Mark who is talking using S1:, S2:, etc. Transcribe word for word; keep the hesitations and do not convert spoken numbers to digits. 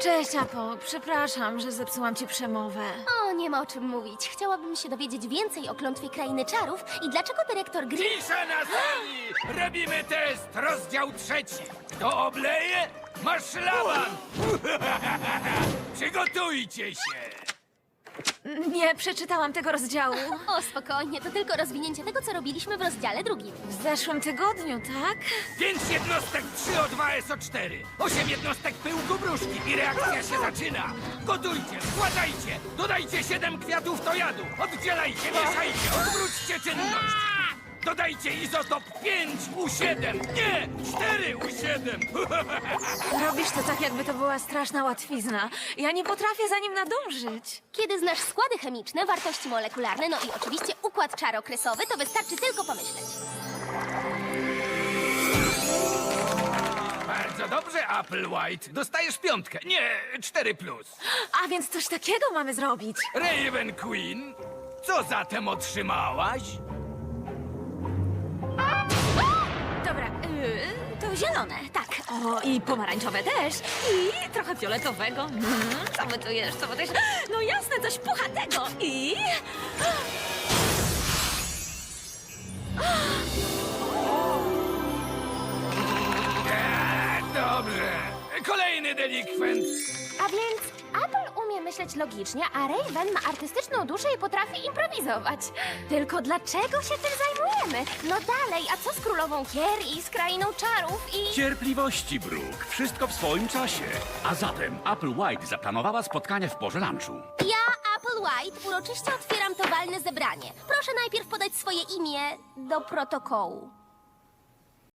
S1: Cześć, Apple. Przepraszam, że zepsułam ci przemowę.
S2: O, nie ma o czym mówić. Chciałabym się dowiedzieć więcej o klątwie Krainy Czarów i dlaczego dyrektor Green...
S3: Cisza na sali! Robimy test, rozdział trzeci. Kto obleje, ma szlaban! Przygotujcie się!
S1: Nie przeczytałam tego rozdziału.
S2: O, spokojnie, to tylko rozwinięcie tego, co robiliśmy w rozdziale drugim.
S1: W zeszłym tygodniu, tak?
S3: Pięć jednostek trzy O dwa S O cztery, osiem jednostek pyłku gruszki i reakcja się zaczyna. Gotujcie, składajcie, dodajcie siedem kwiatów tojadu, oddzielajcie, mieszajcie, odwróćcie czynność. Dodajcie izotop pięć U siedem, nie, cztery U siedem.
S1: Robisz to tak, jakby to była straszna łatwizna. Ja nie potrafię za nim nadążyć.
S2: Kiedy znasz składy chemiczne, wartości molekularne, no i oczywiście układ czarokresowy, to wystarczy tylko pomyśleć.
S3: Bardzo dobrze, Apple White. Dostajesz piątkę, nie, cztery plus.
S1: A więc coś takiego mamy zrobić.
S3: Raven Queen, co zatem otrzymałaś?
S1: Dobra, yy, to zielone, tak. O, i pomarańczowe też. I trochę fioletowego. Mm, co my tu jeszcze? Co my tu jeszcze? No jasne, coś puchatego. I...
S3: Eee, dobrze. Kolejny delikwent.
S2: A więc Apple umie myśleć logicznie, a Raven ma artystyczną duszę i potrafi improwizować. Tylko dlaczego się tym zajmujemy? No dalej, a co z królową Kier i z krainą czarów i...
S4: Cierpliwości, Brooke. Wszystko w swoim czasie. A zatem Apple White zaplanowała spotkanie w porze lunchu.
S2: Ja, Apple White, uroczyście otwieram to walne zebranie. Proszę najpierw podać swoje imię do protokołu.